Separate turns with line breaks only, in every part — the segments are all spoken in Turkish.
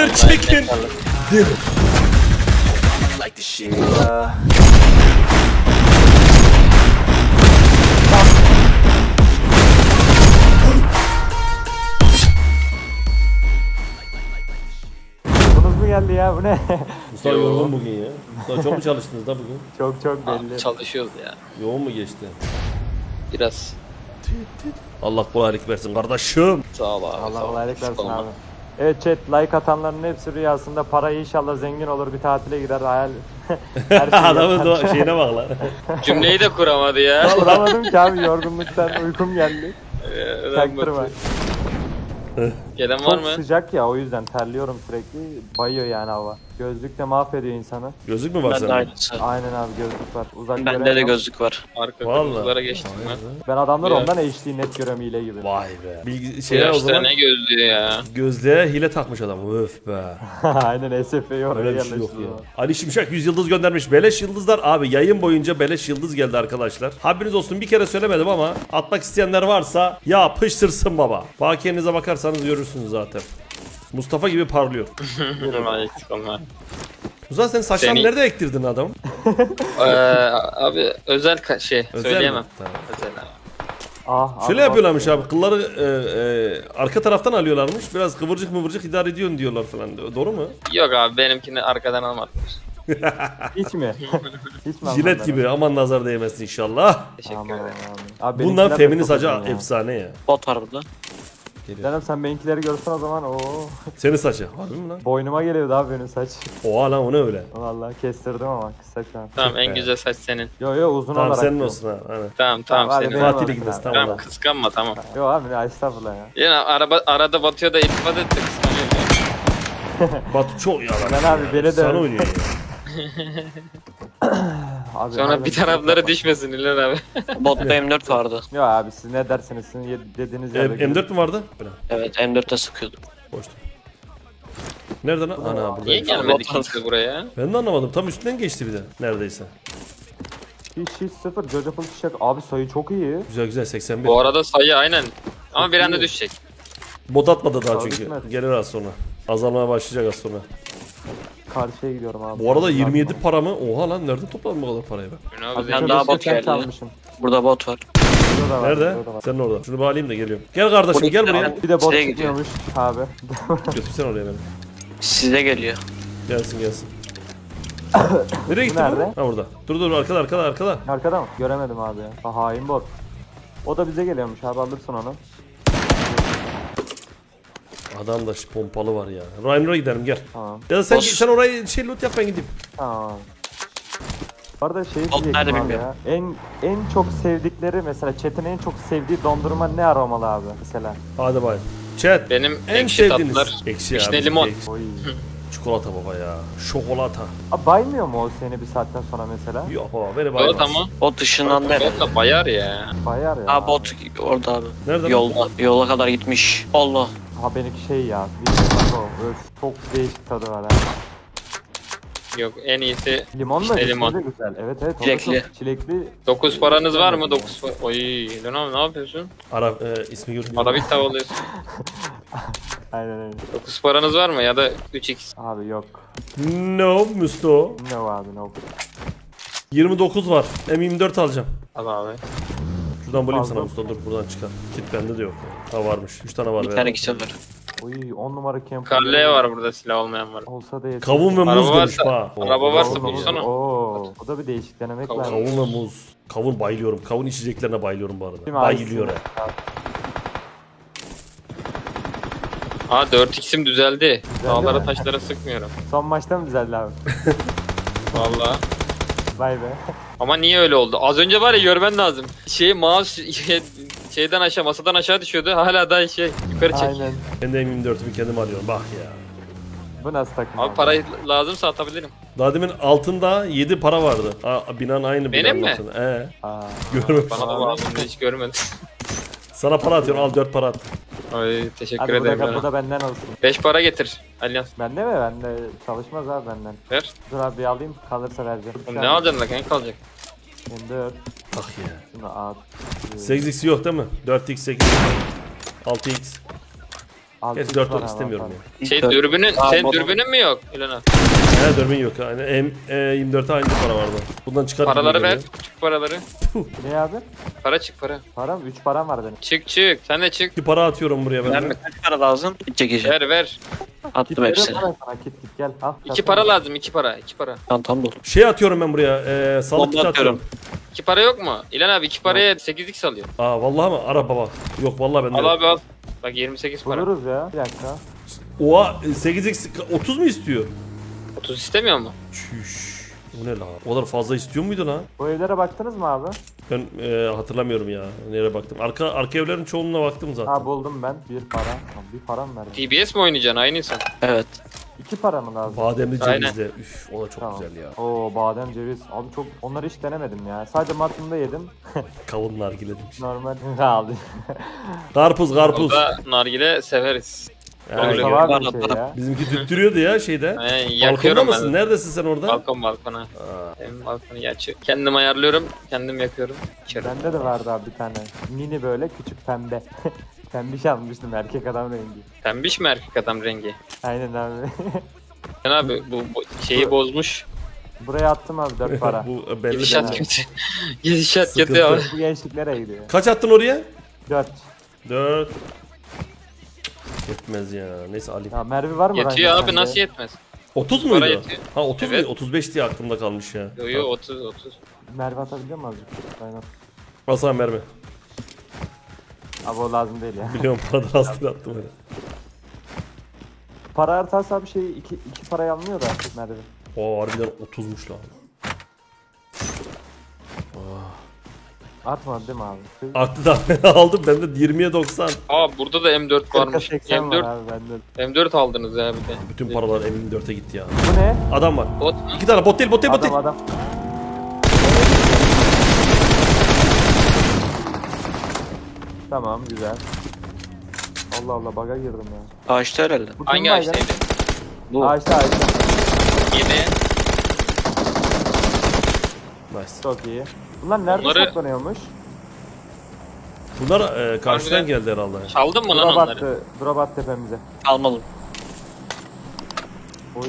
Fried chicken.
Like the shit.
Bunuz mu geldi ya? Bu ne?
Mustafa yorgun bugün ya. Mustafa çok mu çalıştınız da bugün?
Çok belli.
Çalışıyoruz ya.
Yoğun mu geçti?
Biraz.
Allah kolaylık versin kardeşim.
Sağ ol abi.
Allah
sağ ol.
kolaylık versin
Olma.
abi. Evet chat, like atanların hepsi rüyasında parayı inşallah zengin olur, bir tatile gider, hayal. Her şeyi
Adamın
yapar.
şeyine bak lan.
Cümleyi de kuramadı ya.
Kuramadım ki abi, yorgunluktan uykum geldi. Çaktırma.
Gelen var
Çok
mı?
sıcak ya, o yüzden terliyorum sürekli. Bayıyor yani hava. Gözlük de mahvediyor insanı.
Gözlük mü var
Ben de
sende?
aynısı.
Aynen abi, gözlük var. Uzak
Bende de
göremiyorum.
gözlük var.
Arka
Vallahi.
kırmızılara geçtim ben.
Ben adamlar
Ya.
ondan HD net görüyorum, hile gibi.
Vay be. Bilgi
Bu
şeyler o
yaşta
zaman
ne gözlüğü ya.
gözlüğe hile takmış adam. Öf be.
Aynen, SF'yi oraya
Öyle bir şey yok
yerleştiriyor.
ya. Ali Şimşek 100 yıldız göndermiş. Beleş yıldızlar abi, yayın boyunca beleş yıldız geldi arkadaşlar. Haberiniz olsun, bir kere söylemedim ama atmak isteyenler varsa ya pıştırsın baba. Bakiyenize bakarsanız görürsünüz zaten. Mustafa gibi parlıyor.
Normal eksik olma.
Mustafa sen saçlarını
Seni-
nerede ektirdin adam?
Abi özel şey
Özel
söyleyemem.
mi? Tamam.
Özel abi.
Ah,
Şöyle
abi,
yapıyorlarmış abi, kılları arka taraftan alıyorlarmış. Biraz kıvırcık mıvırcık idare ediyorsun diyorlar falan. Doğru mu?
Yok abi, benimkini arkadan almadılar.
Hiç mi? Hiç mi
Jilet
anlamadım?
gibi, aman nazar değmesin inşallah.
Teşekkür
Aman,
ederim.
aman. Abi
Bundan
benimkiler de
feminist
çok
hacı
uzun ya.
efsane ya.
Bot var burada.
Canım sen benimkileri görsen o zaman o
Senin saçı. Harbi mi lan?
boynuma geliyordu abi benim saç.
Oha lan, o ne öyle?
Vallahi kestirdim ama kısa şu an.
Tamam, en
be.
güzel saç senin.
Yo uzun
Tamam
olarak.
senin
diyorum.
olsun ha. Aynen.
Tamam
Tamam, hadi
senin.
benim
Fatih'le
olsun
gideriz,
abi.
tamam.
Tamam, kıskanma tamam.
Yo abi ne, estağfurullah ya.
Yine arada batıyor da iltifat etti, kıskanıyor ya.
Batu çok yalan.
Ben abi beni de
Sana oynuyor ya.
Abi,
Sonra
abi,
bir tarafları düşmesin İlhan abi.
Botta M4 vardı.
Yo abi siz ne dersiniz, sizin dediğiniz yerde.
M4 mü vardı? Bırak.
Evet M4'te sıkıyordum.
Boştu. Nereden? Ana
Niye
buradayım.
gelmedi kimse buraya?
Ben de anlamadım. Tam üstünden geçti bir de. Neredeyse.
Hiç sıfır. Jojofull Çiçek. Abi sayı çok iyi.
Güzel güzel 81.
Bu arada sayı aynen. Ama bir anda
iyi.
düşecek.
Mod atmadı daha
Tabii
çünkü.
gitmez.
Gelir az sonra. Azalmaya başlayacak az sonra.
Karşıya gidiyorum abi.
Bu arada 27 para mı? Oha lan, nereden topladın bu kadar parayı ben?
Ünlü abi
Abi
Ben
zengin.
daha
daha
bot geldi.
Çalmışım.
Burada bot var.
Burada da var,
Nerede?
burada da var.
Sen orada. Şunu bağlayayım da geliyorum. Gel kardeşim,
Burada
gel
bir
buraya.
tane-
Bir de bot
Şuraya gidiyor.
çıkıyormuş abi.
Götürsene oraya beni.
Size geliyor.
Gelsin gelsin. Nereye gitti
Nerede?
bu? Ha burada. Dur arkada.
Arkada mı? Göremedim abi ya. Ha, hain bot. O da bize geliyormuş abi, alırsın onu.
Adamda şu pompalı var ya. Rhinero'ya gidelim gel.
Tamam.
Ya da sen,
Boss.
sen orayı loot yap, ben gideyim.
Tamam. Bu arada şey
Bot
diyecektim
nerede
abi
bilmiyorum.
ya. En çok sevdikleri, mesela chat'in en çok sevdiği dondurma ne aromalı abi mesela?
Hadi bay. Chat.
Benim
En
ekşi
sevdiğiniz.
tatlılar.
Ekşi
Vişne
abi,
limon.
ekşi.
Oy.
Çikolata baba ya. Şokolata.
Abi baymıyor mu o seni bir saatten sonra mesela?
Yok baba, beni
Evet
baymaz.
ama.
Bot ışınlandı herhalde.
Bot da bayar ya.
Bayar ya.
Ha bot orada abi.
Nerede lan?
Yolda. Yola kadar gitmiş. Allah.
Ha benimki şey ya. Öf, çok değişik tadı var ha.
Yok, en iyisi
Limon da
İşte
vişne
limon.
de güzel. Evet o da
Çilekli.
çok çilekli.
9 paranız var mı? 9 Oy İlhan abi ne yapıyorsun?
İsmi görünüyor.
Arabik tavalıyorsun.
Aynen öyle.
9 paranız var mı ya da 3x?
Abi yok.
No Musto.
No abi no.
29 var. M24 alacağım.
Al abi.
Şuradan bulayım
Fazla.
sana Musto, dur buradan çıkar. Kit bende de yok. Ha varmış. 3 tane var.
Bir
be.
tane kişi var.
Oy 10 numara camp.
Karleye var burada, silah olmayan var.
Olsa da yeter.
Kavun ve muz
Araba
demiş
varsa-
ha.
araba varsa
Kavun,
bulsana.
Oo, o da bir değişik, denemek
Kavun.
lazım.
Kavun ve muz. Kavun bayılıyorum. Kavun içeceklerine bayılıyorum bu arada.
Değil mi?
Bayılıyor
Abi,
ha.
Aa 4x'im düzeldi. Dağlara
mi?
taşlara sıkmıyorum.
Son maçta mı güzeldi abi?
Valla.
Vay be.
Ama niye öyle oldu? Az önce var ya, görmen lazım. Mouse şeyden aşağı, masadan aşağı düşüyordu. Hala da yukarı çek.
Aynen.
Ben de M24'ümü kendim alıyorum. Bak ya.
Bu nasıl takım?
Abi parayı lazımsa atabilirim.
Daha demin altında 7 para vardı. Binanın aynı
Benim
binanın
mi?
altında.
Aa,
Görmüş.
Bana da lazım hiç görmedim.
Sana para atıyorum, al 4 para at.
Ay teşekkür
hadi bu
ederim.
da, bu da benden olsun.
5 para getir. Alyan
Bende mi? Bende çalışmaz abi benden.
ver.
Dur abi bir alayım, kalırsa vereceğim.
Ne alacaksın lan, kanka kalacak.
M4.
Bak ya.
Şunu at.
8x yok değil mi? 4x, 8x, 6x.
Altı
Gerçi
üç
4
var ama
istemiyorum
abi.
ya.
Şey
Dört-
dürbünün,
Aa,
senin
model-
dürbünün mü yok İlhan?
He dürbün yok. Yani M24'e aynı para vardı. Bundan çıkar gibi
Paraları ver.
geliyor.
Çık paraları.
Ne abi?
Para çık para.
Param 3 param var benim.
Çık çık. Sen de çık.
Bir para atıyorum buraya ben
Verme
de.
kaç para lazım? Çekeceğim.
Ver ver.
Attım hepsini.
Veriyorum sana, kit gel al.
2 para lazım. 2 para. 2 para.
Çantam dolu.
Şey atıyorum ben buraya. Sağlık
Bomba
kiti atıyorum.
atıyorum.
2 para yok mu? İlhan abi 2 paraya 8x alıyor.
Aa vallahi mı? Ara baba. Yok vallahi bende.
Al
yok.
abi al. Bak 28 para.
Buluruz ya. Bir dakika.
Oha 8x 30 mu istiyor?
30 istemiyor mu?
Çüş. Bu ne lan? O kadar fazla istiyor muydu lan?
Bu evlere baktınız mı abi?
Ben hatırlamıyorum ya. Nereye baktım? Arka evlerin çoğunluğuna baktım zaten.
Ha buldum ben. Bir para. Tamam, bir param verdim.
TBS mi oynayacaksın aynı insan?
Evet.
2 para mı lazım?
Bademli
Aynen.
cevizli. Üf o da çok
Tamam.
güzel ya.
Oo badem ceviz. Abi çok onları hiç denemedim ya. Sadece matında yedim.
Kavun nargile demiş.
Normal aldı.
Karpuz karpuz.
Burada nargile severiz.
Yani
Öyle
Mustafa abi
Bana-
bir şey ya.
bizimki tüttürüyordu ya şeyde.
Aynen,
Balkonda
yakıyorum
mısın?
ben.
Neredesin sen orada?
Balkona. Benim balkonu geçiyor. Kendim ayarlıyorum. Kendim yakıyorum. İçerim.
Bende de vardı abi bir tane. Mini böyle küçük pembe. Pembiş almıştım erkek adam rengi.
Pembiş mi erkek adam rengi?
Aynen abi.
Sen abi bu şeyi bozmuş.
Buraya attım abi 4 para.
Bu belli.
Gidişat
belli.
kötü. Gidişat
Sıkıntı.
kötü abi.
Bu gençliklere gidiyor.
Kaç attın oraya?
4.
4. Yetmez ya. Neyse alayım.
Ya Merve var mı?
Yetiyor
range
abi
sende?
nasıl yetmez?
30
Para
muydu?
yetiyor.
Ha 30
Evet.
mu? 35 diye aklımda kalmış ya.
Yo yo 30.
Merve atabiliyor mu azıcık? Aynen.
Basan mermi.
Abi o lazım değil ya.
Biliyorum paradan astır attım öyle.
Para artarsa bir şey 2 parayı almıyor da Merve.
Oo harbiden 30'muş lan.
Artmadı değil mi abi?
Arttı da ben aldım. Ben de 20'ye 90.
Aa burada da M4 varmış.
80 var
M4
abi bende.
M4 aldınız ya bir de.
Bütün paralar M24'e gitti ya.
Bu ne?
Adam var.
Bot mu?
2 tane bot değil bot değil bot değil.
Adam. Tamam güzel. Allah Allah baga girdim ya.
Ağaçta herhalde.
Bu
Hangi
kim baygın?
ağaçtaydı?
Bu.
Ağaçta.
Yine.
Nice.
Çok iyi. Bunlar nerede
Onları-
saklanıyormuş?
Bunlar karşıdan
Harbiden.
geldi herhalde.
Çaldın mı lan
Drop
onları?
attı. Drop attı tepemize.
Almadım.
Oy.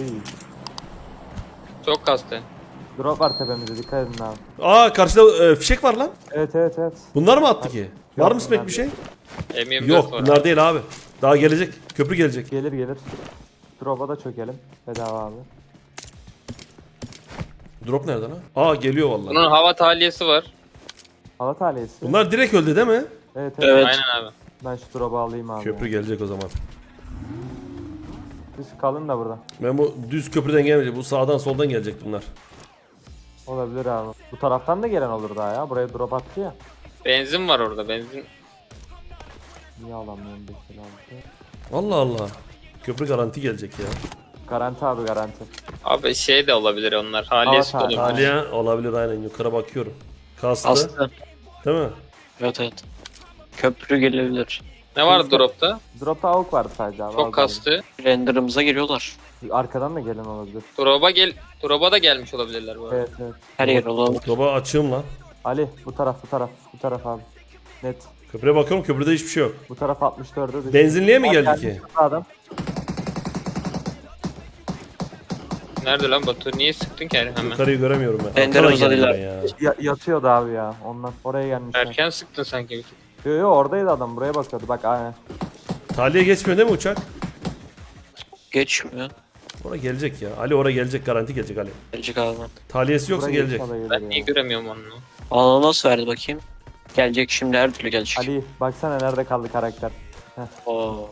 Çok kastı.
Drop var tepemize dikkat edin abi.
Aa karşıda fişek var lan.
Evet.
Bunlar mı attı ki? Var
Yok,
mı Smek
bunlar
bir şey?
M24
Yok
var.
bunlar değil abi. Daha gelecek. Köprü gelecek.
Gelir. Drop'a da çökelim. Bedava abi.
Drop nereden ha? Aa geliyor vallahi.
Bunun hava tahliyesi var.
Hava talihesi.
Bunlar direkt öldü değil mi?
Evet.
Evet.
Aynen abi.
Ben şu drop'u alayım abi.
Köprü gelecek o zaman.
Siz kalın da burada.
Ben bu düz köprüden gelmeyecek. Bu sağdan soldan gelecek bunlar.
Olabilir abi. Bu taraftan da gelen olur daha ya. Buraya drop attı ya.
Benzin var orada benzin.
Niye alamıyorum 556?
Allah Allah. Köprü garanti gelecek ya.
Garanti abi garanti.
Abi şey de olabilir onlar. Haliyesi de
Hava
olabilir.
tahliyesi.
Aliye olabilir aynen yukarı bakıyorum. Kastı.
Aslı.
Değil mi?
Evet. Köprü gelebilir.
Ne var dropta?
Drop'ta avuk vardı sadece abi.
Çok
al
kastı.
Render'ımıza giriyorlar.
bari. Arkadan da gelen olabilir.
Drop'a da gelmiş olabilirler bu arada.
Evet.
Her yer olabilir.
Baba açığım lan.
Ali bu taraf abi. Net.
Köprüye bakıyorum köprüde hiçbir şey yok.
Bu taraf 64'e düştü.
Benzinliğe mi
Bak,
geldi
gelmiş
ki?
Adam.
Nerede lan Batu? Niye sıktın ki hemen?
Yukarıyı göremiyorum ben.
Render
Arkadan geldi
uzadıylar.
ben ya.
Yatıyordu abi ya. Ondan oraya gelmişler.
Erken sıktın sanki bir tık.
Yo oradaydı adam. Buraya bakıyordu. Bak aynen.
Taliye geçmiyor değil mi uçak?
Geçmiyor.
Oraya gelecek ya. Ali oraya gelecek garanti gelecek Ali.
Gelecek abi.
Taliyesi yoksa
Buraya
gelecek.
inşallah gelir
Ben
ya.
niye göremiyorum onu?
Alana nasıl verdi bakayım? Gelecek şimdi her türlü gelecek.
Ali baksana nerede kaldı karakter.
Oo.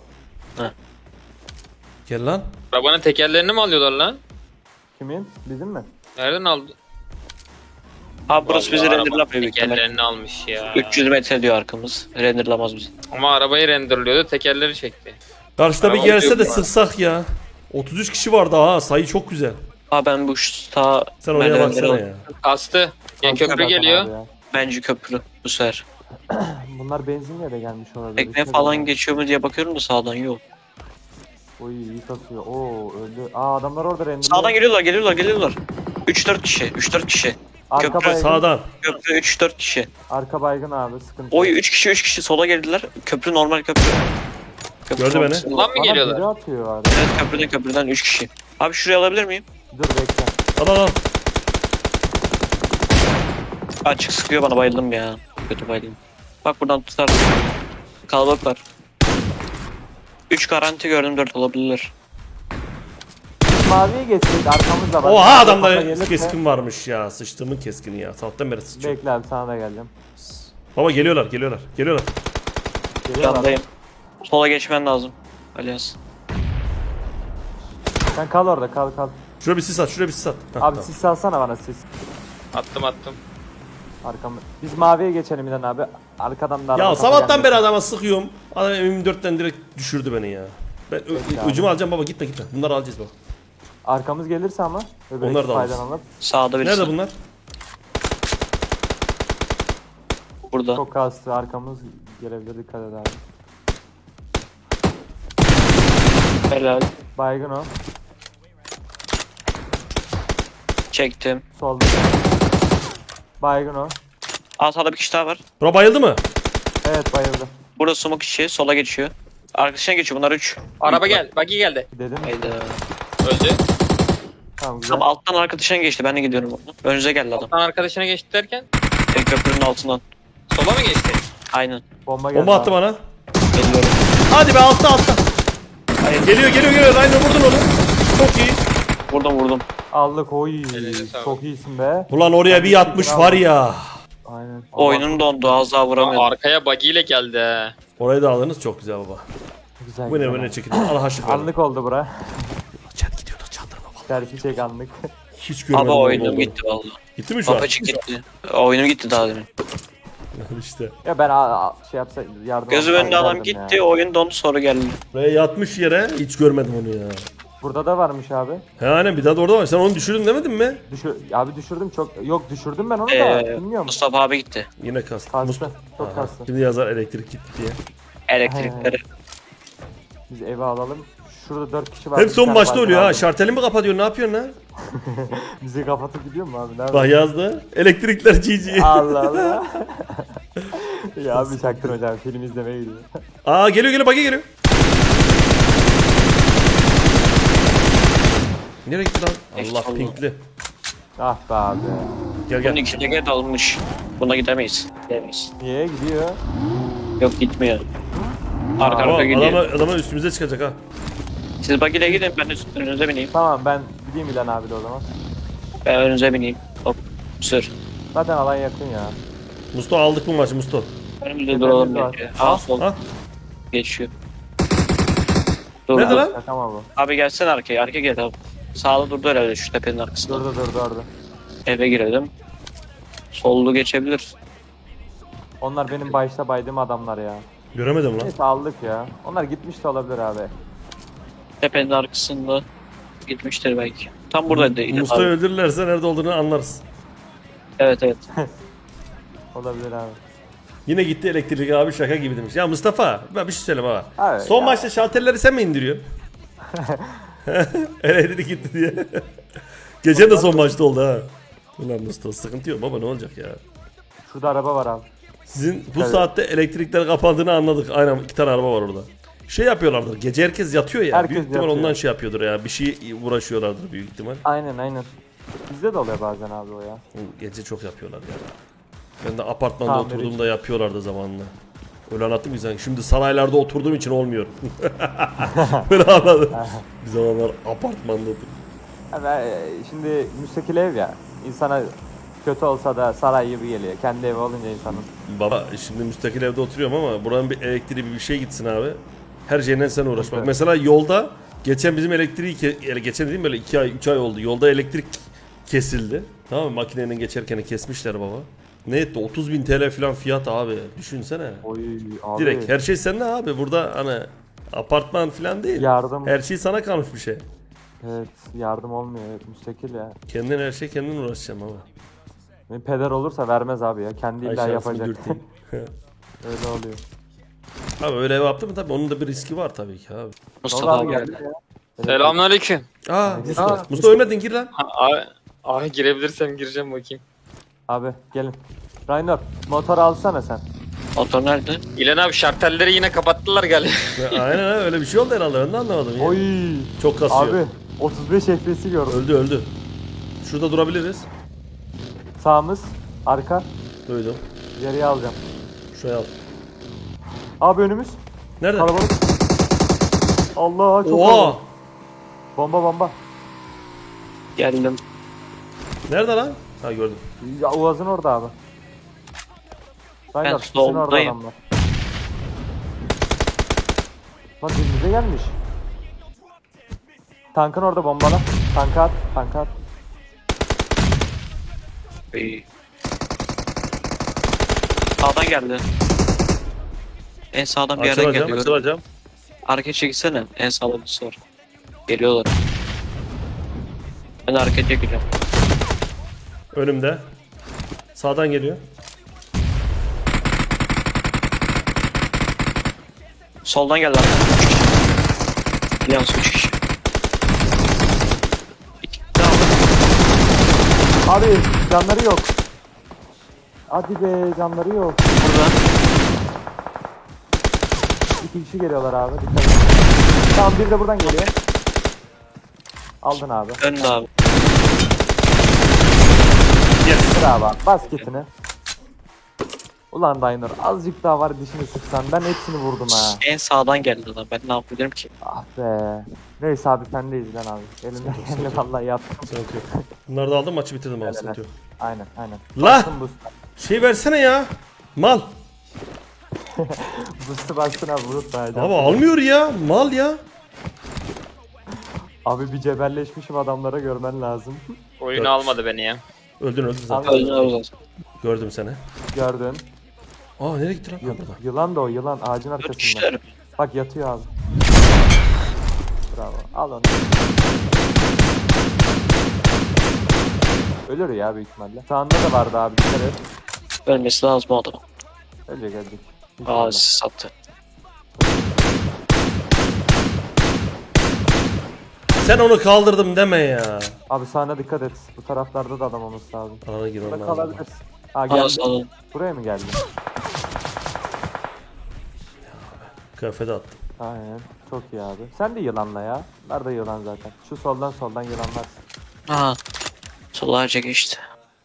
Gel lan.
Arabanın tekerlerini mi alıyorlar lan?
Kimin? Bizim mi?
Nereden aldı?
Ha burası bizi
Vallahi arabanın
renderlamıyor büyük ihtimalle.
Tekerlerini almış ya.
300 metre diyor arkamız. Renderlamaz bizi.
Ama arabayı renderlıyordu, tekerleri çekti.
Karşıda bir
Araba
gelse
yok
de
mu?
sıksak ya. 33 kişi var daha ha. Sayı çok güzel.
Ha ben bu sağ
Sen oraya
merdivenleri
baksana
alayım.
ya.
Kastı. Yani köprü
Zaten
geliyor.
abi ya.
Bence köprü bu sefer.
Bunlar benzinle de gelmiş olabilir.
Tekne
İşte
falan
böyle.
geçiyor mu diye bakıyorum da sağdan yok.
Oy iyi kasıyor. Oo öldü. Aa adamlar orada render.
Sağdan geliyorlar. 3-4 kişi.
Arka
köprü
baygın.
Sağdan.
Köprü 3-4 kişi.
Arka baygın abi sıkıntı.
Oy
yok.
3 kişi sola geldiler. Köprü normal köprü.
Gördü beni.
Ulan mı
Bana
geliyorlar?
biri atıyor abi.
Evet, köprüden 3 kişi. Abi şuraya alabilir miyim?
Dur bekle.
Al.
Açık sıkıyor bana, bayıldım ya. Kötü bayıldım. Bak buradan tutar. Kalabalık var. 3 garanti gördüm, 4 olabilirler.
Maviye geçtik arkamızda var.
Oha adamda
Kafa gelirse-
keskin varmış ya. Sıçtığımın keskini ya. Sabahtan beri sıçıyor.
Bekle abi sana da geldim.
Baba geliyorlar.
Geliyorlar.
Yandayım. Sola geçmen lazım. Alias.
Sen kal orada kal.
Şuraya bir sis at. Heh,
Abi
tamam.
sis salsana bana sis.
Attım.
Arkamı. Biz maviye geçelim İlhan abi. Arkadan da araba
Ya
kafa
sabahtan
gelmesin.
beri adama sıkıyorum. Adam M24'ten direkt düşürdü beni ya. Ben
Peki abi.
ucumu alacağım baba, gitme. Bunları alacağız baba.
Arkamız gelirse ama.
Onlar da alır.
faydalanıp.
Sağda birisi.
Nerede bunlar?
Burada.
Çok kastı arkamız gelebilir, dikkat et abi.
Helal.
Baygın o.
Çektim.
Solda. Baygın o.
Sağda bir kişi daha var.
Bura bayıldı mı?
Evet bayıldı.
Burada smoke işi. Sola geçiyor. Arkadaşına geçiyor. Bunlar 3.
Araba gel. Buggy geldi.
Dedim.
Hayda.
Öldü.
Tamam güzel.
Tam alttan arkadaşına geçti. Ben de gidiyorum orada. Önünüze geldi adam.
Alttan arkadaşına geçti derken
Köprünün altından.
sola mı geçti?
Aynen.
Bomba geldi.
Bomba attı
abi.
bana.
Geliyorum.
Hadi be, altta. Geliyor. Aynen vurdun onu. Çok iyi.
Vurdum.
Aldık oy.
Eline sağlık.
Çok iyisin be.
Ulan oraya bir yatmış var ya.
Aynen.
Oyunun dondu. Az daha vuramıyordum.
Arkaya buggy ile geldi he.
Orayı da aldınız, çok güzel baba.
Güzel.
Bu ne
güzel.
çekildi. Allah aşkına.
Anlık oldu bura.
Çat gidiyordu, çaldırma vallahi.
Serfi çek anlık.
Hiç görmedim.
Abi
onu
oyunum
olduğunu.
gitti valla.
Gitti mi şu an?
Papacık gitti. Oyunum gitti daha demin.
İşte.
Ya ben şey yapsa yardım
Gözüm
alsam
önünde adam
giderdim
gitti.
ya.
Oyun dondu, sonra geldi.
Buraya yatmış yere, hiç görmedim onu ya.
Burada da varmış abi.
He aynen, bir daha da orada var. Sen onu düşürdün demedin mi?
Abi düşürdüm çok. Yok düşürdüm ben onu da. Bilmiyorum.
Mustafa abi gitti.
Yine kastı.
Kastı. Çok
Aha.
kastı.
Şimdi yazar elektrik gitti diye.
Elektrikleri.
Biz eve alalım. Şurada 4 kişi var.
Hep
Bir
son
tane
maçta
baygın
oluyor ha.
aldım.
Şarteli mi kapatıyorsun? Ne yapıyorsun lan?
Bizi kapatıp gidiyor mu abi? Nerede?
Bak yazdı. Elektrikler GG.
Allah Allah. Ya abi çaktın hocam, film izlemeye gidiyor.
Aa geliyor, bagi geliyor. Nereye gitti lan? Allah
Allah.
pinkli.
Ah be abi.
Gel
Bunun
gel.
iki teker dalmış. Buna gidemeyiz. Gidemeyiz.
Niye gidiyor?
Yok, gitmiyor. Arka
Ama
arka gidiyor.
adama üstümüze çıkacak ha.
Siz bagile gidin, ben de önünüze bineyim.
Tamam ben gideyim İlhan abi de o zaman.
Ben önünüze bineyim. Hop. Sür.
Zaten alan yakın ya.
Musto aldık bu maçı Musto.
Önümüzde duralım
var.
bence. Sol.
Ha?
Geçiyor. Dur.
Nerede lan?
Şaka mı bu?
Abi gelsene arkaya. Arkaya gel abi. Sağda durdu herhalde şu tepenin arkasında.
Durdu.
Eve girelim. Sollu geçebilir.
Onlar benim başta baydığım adamlar ya.
Göremedim lan.
Neyse aldık ya. Onlar gitmiş de olabilir abi.
Tepenin arkasında gitmiştir belki. Tam buradaydı. İlhan
Musto'yu
abi.
öldürürlerse nerede olduğunu anlarız.
Evet.
Olabilir abi.
Yine gitti elektrik abi, şaka gibi demiş. Ya Mustafa, ben bir şey söyleyeyim ha.
Abi
Son
ya.
maçta şalterleri sen mi indiriyorsun? Elektrik gitti diye. Gece de son maçta oldu ha. Ulan Mustafa, sıkıntı yok baba, ne olacak ya.
Şurada araba var abi.
Sizin bu
Evet.
saatte elektrikler kapandığını anladık. Aynen, 2 tane araba var orada. Şey yapıyorlardır. Gece herkes yatıyor ya.
Herkes
büyük ihtimal
yatıyor.
ondan şey yapıyordur ya. Bir şey uğraşıyorlardır büyük ihtimal.
Aynen. Bizde de oluyor bazen abi o ya.
Gece çok yapıyorlar ya. Ben de apartmanda
Tamir
oturduğumda yapıyorlardı zamanında. Öyle anlattım ki sen. Şimdi saraylarda oturduğum için olmuyor. Böyle anladım. Bir zamanlar apartmanda oturdum.
Yani, şimdi müstakil ev ya. İnsana kötü olsa da saray gibi geliyor. Kendi evi olunca insanın.
Baba şimdi müstakil evde oturuyorum ama buranın bir elektriği bir şey gitsin abi. Her şeyden sen uğraş. Bak
Evet.
mesela yolda geçen bizim elektriği geçen dediğim böyle 2 ay 3 ay oldu. Yolda elektrik kesildi. Tamam mı? Makinenin geçerken kesmişler baba. Ne etti? 30.000 TL falan fiyat abi. Düşünsene.
Oy abi.
Direkt her şey sende abi. Burada hani apartman falan değil.
Yardım.
Her şey sana kalmış bir şey.
Evet yardım olmuyor. Evet, müstakil ya.
Kendin her şey kendin uğraşacaksın ama.
Benim peder olursa vermez abi ya. Kendi
Ay
illa
şansımı
yapacak.
dürteyim.
Öyle oluyor.
Abi öyle ev yaptı mı tabii onun da bir riski var tabii ki abi.
Mustafa
Doğru
abi geldi.
ya. Evet.
Selamünaleyküm.
Mustafa. Mustafa ölmedin, gir lan.
Abi girebilirsem gireceğim bakayım.
Abi gelin. Rainer motor alsana sen.
Motor nerede?
İlan abi şartelleri yine kapattılar galiba.
Aynen öyle bir şey oldu herhalde. Ben de anlamadım ya.
Oy.
Çok kasıyor.
Abi 35 FPS'i gördüm.
Öldü. Şurada durabiliriz.
Sağımız, arka.
Duydum.
Geriye alacağım.
Şuraya al.
Abi önümüz.
Nerede?
Kalabalık. Allah çok
Oha!
kalabalık. Bomba.
Geldim.
Nerede lan? Ha gördüm.
Ya Uaz'ın orada abi. Aynen,
Ben
sizin orada
soldayım.
adamlar. Lan dibimize gelmiş. Tankın orada bombala. Tanka at.
İyi. Sağdan geldi. En sağdan bir yerden
Açılacağım.
geldi.
Açılacağım.
Arkaya çekilsene. En sağda birisi var. Geliyorlar. Ben arkaya çekeceğim.
Önümde. Sağdan geliyor.
Soldan geldi arkaya. 3 kişi. Yalnız 3 kişi. 2 daha var.
Abi canları yok. Hadi be canları yok.
Burada.
2 kişi geliyorlar abi. Dikkat et. Tamam bir de buradan geliyor. Aldın abi.
Önde abi.
Dur abi. Bas kitini. Ulan Daynur azıcık daha var dişini sıksan ben hepsini vurdum ha.
En sağdan geldi lan. Ben ne yapabilirim ki?
Ah be. Neyse abi sendeyiz lan abi. Elimden geleni vallahi yaptım.
Sıkıntı yok. Bunları da aldım, maçı bitirdim abi.
Helal.
Sıkıntı yok.
Aynen.
La!
Bastın boost'a.
Şey versene ya. Mal.
Boost'u bastın abi bulut da.
Abi almıyor ya. Mal ya.
Abi bir cebelleşmişim adamlara görmen lazım.
Oyunu almadı beni ya.
Öldün zaten.
Öldün abi zaten.
Gördüm seni.
Gördün.
Aa nereye gitti lan? Ha, burada.
Yılan da o yılan ağacın
4
arkasında.
kişiler.
Bak yatıyor abi. Bravo. Al onu. Ölür ya büyük ihtimalle. Sağında da vardı abi dikkat et.
Ölmesi lazım o adam.
Ölecek.
Aa siz sattı.
Sen onu kaldırdım deme ya.
Abi sağına dikkat et. Bu taraflarda da adam olması lazım.
Alana girmem
Burada
lazım.
kalabilirsin. Ha
Aa
geldi.
sağdan.
Buraya mı geldin?
Kıyafeti attım.
Aynen. Çok iyi abi. Sen de yılanla ya. Nerede yılan zaten? Şu soldan yılanlar.
Aha. Solarca geçti.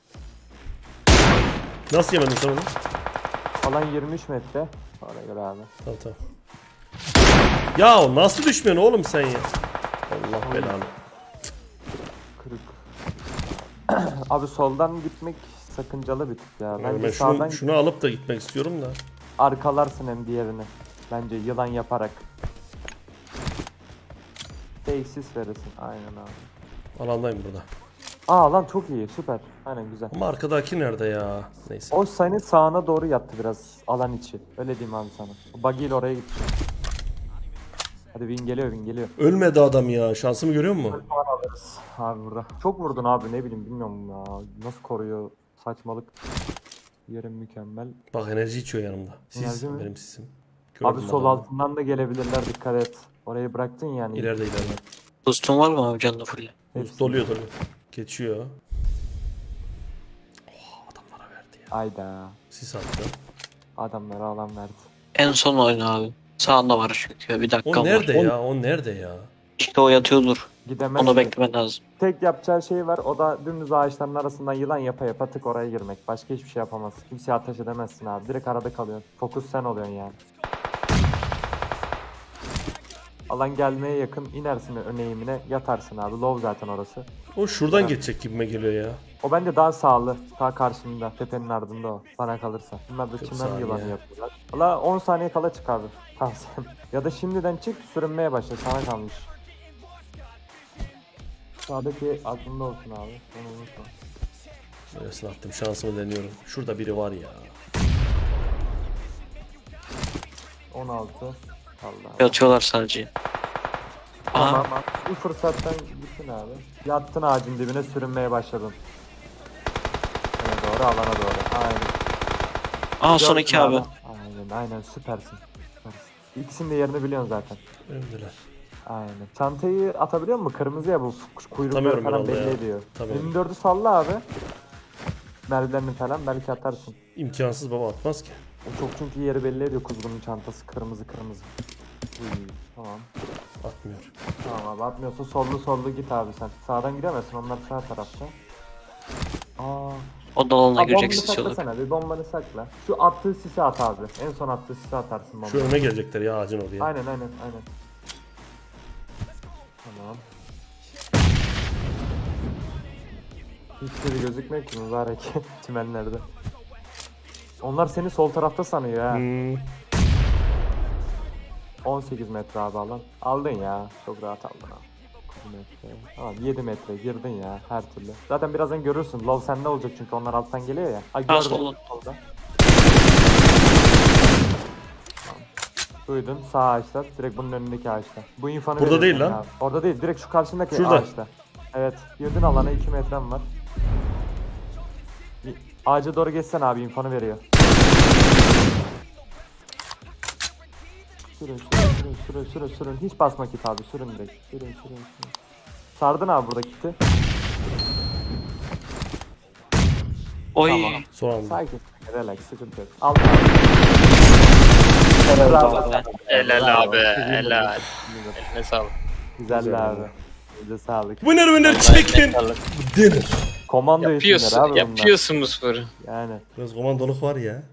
Nasıl yemedin sen onu?
Alan 23 metre. Oraya göre abi.
Tamam. Ya nasıl düşmüyorsun oğlum sen ya? Allah belanı.
Kırık. Abi soldan gitmek sakıncalı bir tık ya. Bence
Ben
sağdan
şunu alıp da gitmek istiyorum da.
arkalarsın hem diğerini. Bence yılan yaparak. Tesis verirsin. Aynen abi.
Alandayım burada.
Aa lan çok iyi. Süper. Aynen güzel.
Ama arkadaki nerede ya? Neyse.
O senin sağına doğru yattı biraz alan içi. Öyle diyeyim abi sana. Buggy ile oraya gitti. Hadi win geliyor.
Ölmedi adam ya. Şansımı görüyor musun?
Abi burada. Çok vurdun abi ne bileyim bilmiyorum ya. Nasıl koruyor saçmalık. Yerim mükemmel.
Bak enerji içiyor yanımda.
Enerji
Sis
mi?
benim sisim.
Abi
Gördüm
sol
adamı.
altından da gelebilirler dikkat et. Orayı bıraktın yani.
İleride.
Boost'un var mı abi canlı full?
Hepsi.
Doluyor. Geçiyor. Oh, adamlara verdi ya.
Ayda.
Sis attı.
Adamlara alan verdi.
En son oyna abi. Sağında var çünkü. Bir dakika
O
var.
nerede ya? O nerede ya?
İşte o yatıyordur.
Gidemez.
Onu beklemen lazım.
Tek yapacağı şey var o da dümdüz ağaçların arasından yılan yapa tık oraya girmek. Başka hiçbir şey yapamaz. Kimseye ateş edemezsin abi. Direkt arada kalıyorsun. Fokus sen oluyorsun yani. Alan gelmeye yakın inersin ön eğimine yatarsın abi. Low zaten orası.
O şuradan geçecek gibime geliyor ya.
O bence daha sağlı. Daha karşımda. Tepenin ardında o. Bana kalırsa. Bunlar da
40
çimen
saniye.
yılanı yapıyorlar. Valla 10 saniye kala çık abi. Tavsiyem. Ya da şimdiden çık sürünmeye başla. Sana kalmış. Sağdaki aklında olsun abi. Onu unutma.
Neresine attım? Şansımı deniyorum. Şurada biri var ya.
16. Allah.
Yatıyorlar sadece. Aha.
Tamam. Bu fırsattan gittin abi. Yattın ağacın dibine sürünmeye başladın. Doğru alana doğru. Aynen.
Aa son
Gördün
iki abi.
Aynen süpersin. İkisinin de yerini biliyorsun zaten.
Öldüler.
Aynen. Çantayı atabiliyor musun? Kırmızı ya bu kuyrukları
Atamıyorum
falan
herhalde
belli
ya.
ediyor.
Atamıyorum.
24'ü salla abi. Merdivenini falan belki atarsın.
İmkansız baba, atmaz ki.
O çok çünkü yeri belli ediyor kuzgunun çantası kırmızı kırmızı. Tamam.
Atmıyor.
Tamam abi atmıyorsa sollu git abi sen. Sağdan gidemezsin onlar sağ tarafta. Aa.
O dalana
Abi
girecek
bombanı
sis yolu.
saklasana bir bombanı sakla. Şu attığı sisi at abi. En son attığı sisi atarsın bombayı.
Şu önüne gelecekler ya ağacın oraya.
Aynen. Tamam. Hiçbiri gözükmüyor ki mübarek çimenlerde. Onlar seni sol tarafta sanıyor ha. 18 metre abi alan. Aldın ya. Çok rahat aldın abi. 9 metre. Tamam 7 metre girdin ya her türlü. Zaten birazdan görürsün. Love sende olacak çünkü onlar alttan geliyor ya. Ay gördüm
solda.
solda. Tamam. Duydun sağ ağaçta. Direkt bunun önündeki ağaçta. Bu infanı
Burada
veriyorum
değil
sana
lan.
abi. Orada değil. Direkt şu karşındaki
Şurada.
ağaçta. Evet. Girdin alana 2 metrem var. Ağaca doğru geçsen abi infanı veriyor. Sürün. Hiç basma kit abi. Sürün direkt. Sürün. Sardın abi burada kiti.
Oy.
Tamam.
Son anda.
Sakin. Relax. Sıkıntı yok. Al abi.
Helal abi. Helal. Eline sağlık.
Güzel abi. Bize sağlık.
Winner chicken dinner.
Komando eğitimleri
Yapıyorsun.
abi bunlar.
Yapıyorsun bu sporu.
Yani.
Biraz komandoluk var ya.